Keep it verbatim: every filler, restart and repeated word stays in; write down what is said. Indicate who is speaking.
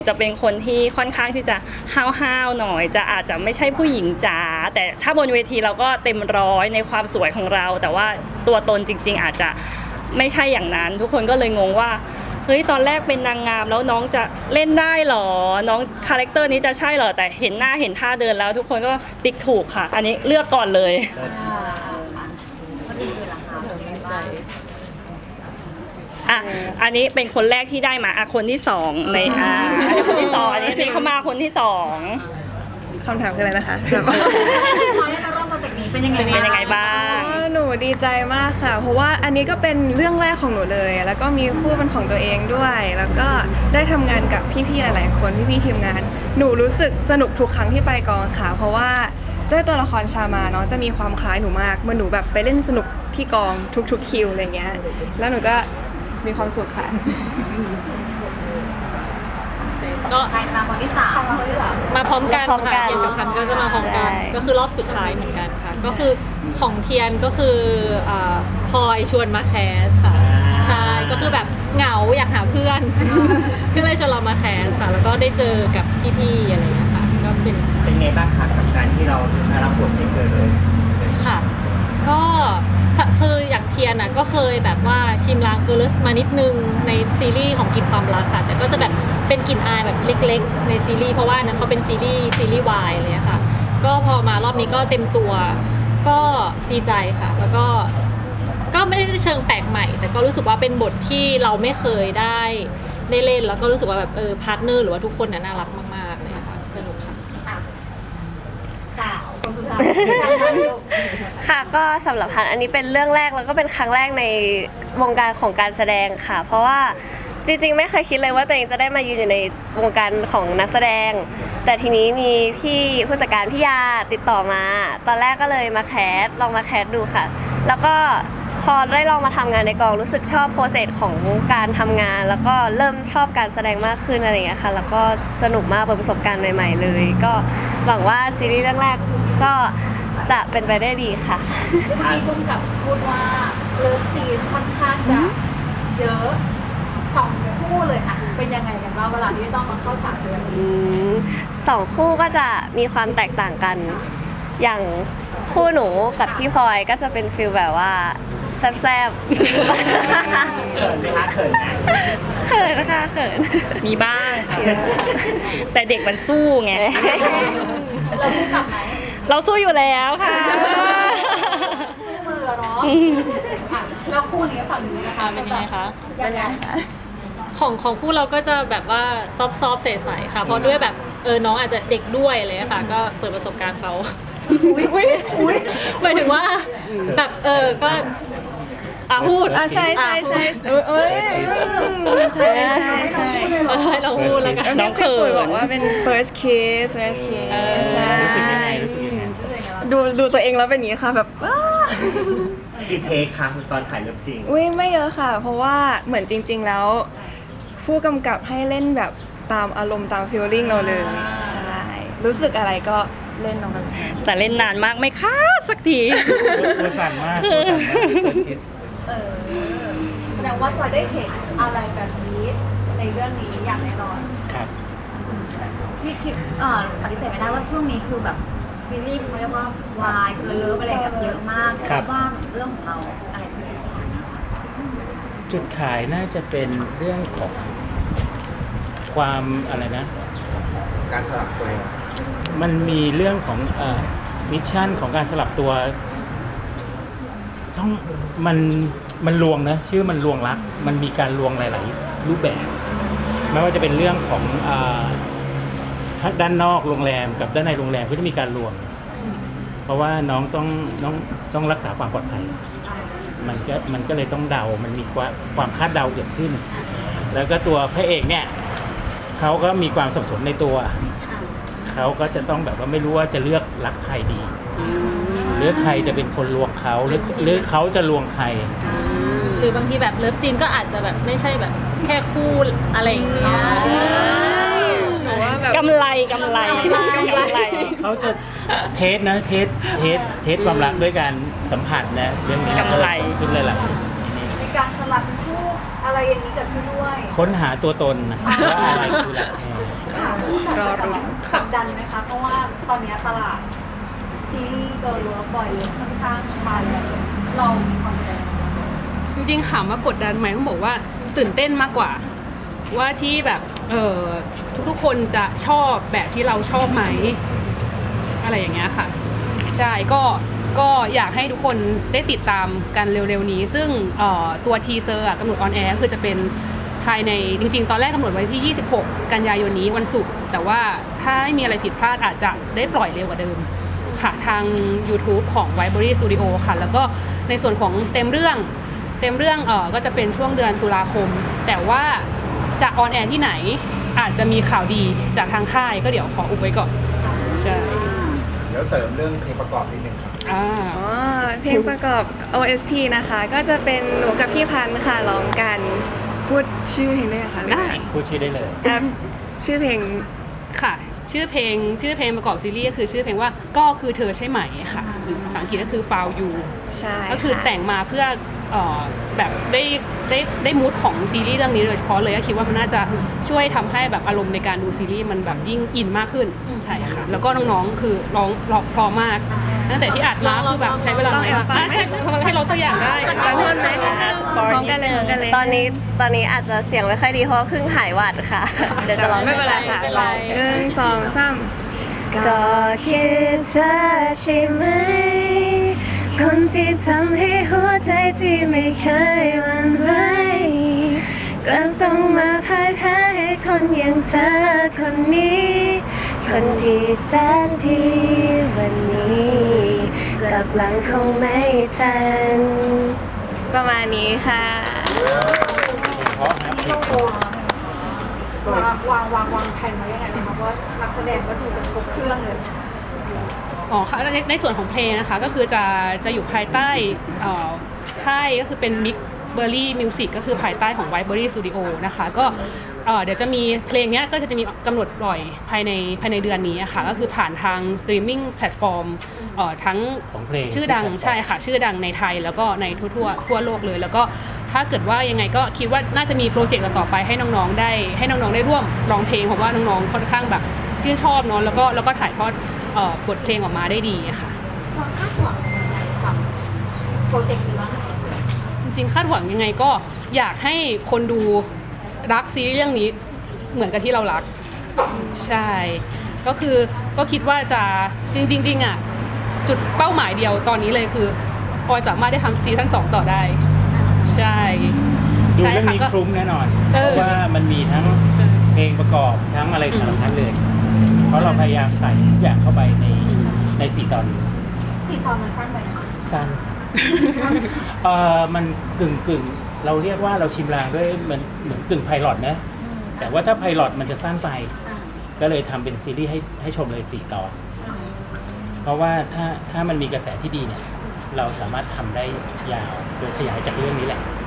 Speaker 1: จะเป็นคนที่ค่อนข้างที่จะห้าวๆหน่อยจะอาจจะไม่ใช่ผู้หญิงจ๋าแต่ถ้าบนเวทีเราก็เต็มร้อยในความสวยของเราแต่ว่าตัวตนจริงๆอาจจะไม่ใช่อย่างนั้นทุกคนก็เลยงงว่าเฮ้ยตอนแรกเป็นนางงามแล้วน้องจะเล่นได้หรอน้องคาแรคเตอร์นี้จะใช่หรอแต่เห็นหน้าเห็นท่าเดินแล้วทุกคนก็ติ๊กถูกค่ะอันนี้เลือกก่อนเลยอ่ะอันนี้เป็นคนแรกที่ได้มาอ่ะคนที่สองในอ่ะอันนี้คนที่สองอันนี้นี่เขามาคนที่สอง
Speaker 2: คำถามคืออะไรนะคะแบบว่า
Speaker 3: พอได้มาร่วมโปรเจกต์นี้เป็นยังไง
Speaker 1: เป็นยังไงบ้าง
Speaker 2: หนูดีใจมากค่ะเพราะว่าอันนี้ก็เป็นเรื่องแรกของหนูเลยแล้วก็มีคู่เป็นของตัวเองด้วย แล้วก็ได้ทำงานกับพี่ๆหลายๆคนพี่ๆทีมงานหนูรู้สึกสนุกทุกครั้งที่ไปกองค่ะเพราะว่าด้วยตัวละครชามาเนาะจะมีความคล้ายหนูมากเมื่อหนูแบบไปเล่นสนุกที่กองทุกๆคิวอะไรเงี้ยแล้วหนูก็มีความสุขค่ะ
Speaker 3: ก็มาคนที่สาม
Speaker 4: มาพร้อมกัน
Speaker 5: พร้อมกั
Speaker 4: ค่ะ
Speaker 5: น
Speaker 4: เทียนกับพันก็จะมาพร้อมกัน
Speaker 5: ใช่
Speaker 4: ก็คือรอบสุดท้ายเหมือนกันค่ะก็คือของเทียนก็คืออ่าพลอยชวนมาแคสค่ะใช่ก็คือแบบเหงาอยากหาเพื่อน ก็เลยชวนเรามาแคสค่ะแล้วก็ได้เจอกับพี่ๆอะไรอย่างเงี้ยค่ะก็เป็น
Speaker 6: เป็นไงบ้างคะกับการที่เราได้รับบทเป็นเกิดเลย
Speaker 4: ค่ะก็คืออย่างเทียนอ่ะก็เคยแบบว่าชิมลางเกลือมานิดนึงในซีรีส์ของกลิ่นความรักค่ะแต่ก็จะแบบเป็นกลิ่นอายแบบเล็กๆในซีรีส์เพราะว่านั้นเขาเป็นซีรีส์ซีรีส์วายเลยค่ะก็พอมารอบนี้ก็เต็มตัวก็ดีใจค่ะแล้วก็ก็ไม่ได้เชิงแปลกใหม่แต่ก็รู้สึกว่าเป็นบทที่เราไม่เคยได้ได้เล่นแล้วก็รู้สึกว่าแบบเออพาร์ทเนอร์หรือว่าทุกคนน่ารักมากๆเลยค่ะสนุกค่ะ
Speaker 3: สาวคนสุดท้าย
Speaker 5: ค่ะก็สำหรับพันอันนี้เป็นเรื่องแรกแล้วก็เป็นครั้งแรกในวงการของการแสดงค่ะ เพราะว่าจริงๆไม่เคยคิดเลยว่าตัวเองจะได้มายืนอยู่ในวงการของนักแสดง แต่ทีนี้มีพี่ผู้จัดการพี่ยาติดต่อมา ตอนแรกก็เลยมาแคสลองมาแคสดูค่ะ แล้วก็พอได้ลองมาทำงานในกองรู้สึกชอบโปรเซสของการทำงาน แล้วก็เริ่มชอบการแสดงมากขึ้นอะไรอย่างเงี้ยค่ะแล้วก็สนุกมากเป็นประสบการณ์ใหม่ๆเลย ก็หวังว่าซีรีส์เรื่องแรกก็จะเป็นไปได้ดีค่ะ
Speaker 3: มีคุณกับพูดว่าเลิฟซีนค่อนข้างจะเยอะสองคู่เลยค่ะเป็นยังไงกันบ้างเวลาที่ต้องมาเข้าฉากเรื่อง
Speaker 5: อื
Speaker 3: นี้
Speaker 5: มสองคู่ก็จะมีความแตกต่างกัน อย่างคู่หนูกับพี่พลอยก็จะเป็นฟิลแบบว่าแซ่บๆ
Speaker 6: เขินไหมคะเขินไหม
Speaker 5: เขินนะคะเขิน
Speaker 1: มีบ้างค่ะแต่เด็กมันสู้ไง
Speaker 3: เราสู้กลับไหม
Speaker 1: เราสู้อยู่แล้วค่ะ
Speaker 3: สู้มือเนาะอ่ะแล้วคู่นี้ฝั่งนี้นะคะ
Speaker 4: เป็นยังไงคะ
Speaker 3: ยังไง
Speaker 4: ของของคู่เราก็จะแบบว่าซอฟซอฟใสๆค่ะเพราะด้วยแบบเออน้องอาจจะเด็กด้วยอะไรเลยค่ะก็เปิดประสบการณ์เขาหมายถึงว่าแบบเออก็อ่ะพูด
Speaker 2: อ่ะใช่ใช่ใช่เอ้ยเอ้ยใช่ใช่ใช่
Speaker 4: เออให้เราพูดแล้วกัน
Speaker 1: น้องเขิน
Speaker 2: พี่ปุ๋ยบอกว่าเป็น first kiss first kiss ใช่
Speaker 6: รู้สึกยังไงรู้สึกยังไง
Speaker 2: ดูดูตัวเองแล้วเป็นอย่างนี้ค่ะแบบว้า
Speaker 6: กี่เทคคะตอนถ่ายเลิฟซีน
Speaker 2: อุ้ยไม่เยอะค่ะ เพราะว่าเหมือนจริง ๆ แล้วผู้กำกับให้เล่นแบบตามอารมณ์ตามฟีลลิ่งเราเลยใช่รู้สึกอะไรก็เล่นน้องมัน
Speaker 1: แต่เล่นนานมากไม่ค้าสักที
Speaker 6: ตัวสั่นมากตัวสั่นมากคิส
Speaker 3: เออแสดงว่าจะได้เห็นอะไรแบบนี้ในเรื่องนี้อย่างแน่นอน
Speaker 6: ครับ
Speaker 3: พี่คิดเอ่อปฏิเสธไม่ได้ว่าช่วงนี้คือแบบซีรีส์เขาเรียกว่าวายเกินเลิฟอะไรแบบเยอะมาก
Speaker 6: ครับ
Speaker 3: ว่าเรื่องของเราอะไรเป็นจุดขายนะคะ
Speaker 7: จุดขายน่าจะเป็นเรื่องของความอะไรนะ
Speaker 6: การสลับตัว
Speaker 7: มันมีเรื่องของเอ่อมิชชั่นของการสลับตัว ต้องมันมันลวงนะชื่อมันลวงรัก มันมีการลวงหลาย ๆ รูปแบบ ไม่ว่าจะเป็นเรื่องของอ่าด้านนอกโรงแรมกับด้านในโรงแรมก็จะมีการลวง เพราะว่าน้องต้องน้องต้องรักษาความปลอดภัย มันก็มันก็เลยต้องเดา มันมีความความคาดเดาเกิดขึ้น แล้วก็ตัวพระเอกเนี่ยเขาก็มีความสับสนในตัว เขาก็จะต้องแบบว่าไม่รู้ว่าจะเลือกรักใครดีหรือใครจะเป็นคนลวงเขาหรือหรือเขาจะลวงใคร
Speaker 4: หรือบางทีแบบเลิฟซีนก็อาจจะแบบไม่ใช่แบบแค่คู่อะไรอย่างเงี้ย
Speaker 2: หรือว่าแบบ
Speaker 1: กำไรกำไรกำไร
Speaker 7: เขาจะเทสนะเทสเทสเทสความรักด้วยการสัมผัสนะเรื่องนี้
Speaker 1: กำไร
Speaker 7: ขึ้นเลยล่ะ
Speaker 3: มีการสลับคู่อะไรอย่างนี้เกิดขึ้นด้วย
Speaker 7: ค้นหาตัวตนนะว่าอะไรคือรักแท้
Speaker 2: รอรุ้น
Speaker 3: กดดันไหมคะ เพราะว่าตอนนี้ตลาดซีรีส์เกิร์ลเลิฟบอยเลิฟค่อนข้างมาแรงเรามีความใจ
Speaker 8: จริงๆถามว่ากดดันไหมต้องบอกว่าตื่นเต้นมากกว่า ว่าที่แบบเออทุกๆคนจะชอบแบบที่เราชอบไหมอะไรอย่างเงี้ยค่ะใช่ก็ก็อยากให้ทุกคนได้ติดตามกันเร็วๆนี้ ซึ่งเอ่อตัวทีเซอร์กำหนดออนแอร์คือจะเป็นภายในจริงๆ ตอนแรกกำหนดไว้ที่ยี่สิบหกกันยายนนี้วันศุกร์แต่ว่าถ้าไม่มีอะไรผิดพลาดอาจจะได้ปล่อยเร็วกว่าเดิมค่ะทาง YouTube ของ Vibery Studio ค่ะแล้วก็ในส่วนของเต็มเรื่องเต็มเรื่องเออก็จะเป็นช่วงเดือนตุลาคม แต่ว่าจะออนแอร์ที่ไหนอาจจะมีข่าวดีจากทางค่ายก็เดี๋ยวขออุบไว้ก่อนใช่
Speaker 9: เดี๋ยวเสริมเรื่องเพลงประกอบนิดนึงครับ
Speaker 8: อ่า
Speaker 2: อ๋อเพลงประกอบ โอ เอส ที นะคะ ก็จะเป็นหนูกับพี่พันธ์ค่ะร้องกันพูดชื่อเพลงได้ไหมคะหรือ
Speaker 8: ได้
Speaker 2: ว่า
Speaker 7: พูดชื่อได้เลย
Speaker 2: แอปชื่อเพลง
Speaker 8: ค่ะชื่อเพลงชื่อเพลงประกอบซีรีส์ก็คือชื่อเพลงว่าก็คือเธอใช่ไหมค่ะหรือภาษาอังกฤษก็คือ Found You
Speaker 2: ใช่
Speaker 8: ก็คือ
Speaker 2: ค่ะ
Speaker 8: แต่งมาเพื่อเอ่อแบบได้ได้ได้มูดของซีรีส์เรื่องนี้โดยเฉพาะเลยก็คิดว่ามันน่าจะช่วยทำให้แบบอารมณ์ในการดูซีรีส์มันแบบยิ่งอินมากขึ้นใช่ค่ะแล้วก็น้องๆคือร้องร้องเพราะมากตั้งแต่ที่อัดมาคือแบบใช้เวลาน้อยมากอ่ะใช่ให้เราตัวอย่างได้
Speaker 2: สักท่อนไหมพร้อมกันเลยพร้อมกันเลย
Speaker 5: ตอนนี้ตอนนี้อาจจะเสียงไม่ค่อยดีเพราะว่าเพิ่งหายหวัดค่ะ เดี๋ยวจะร้อง
Speaker 2: ไม่เป็นไรค่ะลองหนึ่งสองสามก็คิดเธอใช่ไหม คนที่ทำให้หัวใจที่ไม่เคยหวั่นไหวกลับต้องมาพ่ายแพ้ให้คนอย่างเธอคนนี้ คนที่แสนดีวันนี้กลับหลังคงไม่ทัน ประมาณนี้ค่ะ
Speaker 7: เพราะนะเพลงเพราะ
Speaker 3: วางวางวางวางแผนไว้ยังไงนะคะว่านักแสดงก็ดูจะครบเครื่องเลย
Speaker 8: อ๋อค่ะในในส่วนของเพลงนะคะก็คือจะจะอยู่ภายใต้เอ่อค่ายก็คือเป็น Mix Berry Music ก็คือภายใต้ของ Vibery Studio นะคะก็เอ่อเดี๋ยวจะมีเพลงเนี้ยก็จะมีกำหนดปล่อยภายในภายในเดือนนี้อะค่ะก็คือผ่านทางสตรีมมิ่งแพลตฟอร์มเอ่อทั้ง
Speaker 7: ของเพลง
Speaker 8: ชื่อดังใช่ค่ะชื่อดังในไทยแล้วก็ในทั่วทั่วทั่วโลกเลย แล้วก็ถ้าเกิดว่ายังไงก็คิดว่าน่าจะมีโปรเจกต์ต่อไปให้น้องๆได้ให้น้องๆได้ร่วมร้องเพลงเพราะว่าน้องๆค่อนข้างแบบชื่นชอบเนาะแล้วก็แล้วก็ถ่ายทอดเอ่อบทเพลงออกมาได้ดีอะค่ะ
Speaker 3: ความคาดหวังยังไงกับโปรเจกต์นี้บ้างคะ
Speaker 8: จริงๆคาดหวังยังไงก็อยากให้คนดูรักซีรีส์เรื่องนี้เหมือนกับที่เรารักใช่ก็คือก็คิดว่าจะจริงๆจริงๆอ่ะจุดเป้าหมายเดียวตอนนี้เลยคือพลอยสามารถได้ทำซีซั่นสองต่อได้ใช่
Speaker 7: ดู
Speaker 8: ใช่
Speaker 7: เรื่อง
Speaker 8: ค่ะ
Speaker 7: นี้
Speaker 8: ก็
Speaker 7: คลุ้มแน่นอน
Speaker 8: เออ
Speaker 7: เพราะว่ามันมีทั้งเพลงประกอบทั้งอะไรสารพัดเลย เพราะเราพยายามใส่ทุกอย่างเข้าไปในในสี่ตอนนี้
Speaker 3: สี่ตอนมันสั้นไปนะคะ
Speaker 7: สั้น เอ่อมันกึ่งกึ่งเราเรียกว่าเราชิมลางด้วยเหมือนเหมือนกึ่งไพลอตนะ แต่ว่าถ้าไพลอตมันจะสั้นไป ก็เลยทำเป็นซีรีส์ให้ให้ชมเลยสี่ตอน เพราะว่าถ้าถ้ามันมีกระแสที่ดีเนี่ย เราสามารถทำได้ยาวโดยขยายจากเรื่องนี้แหละ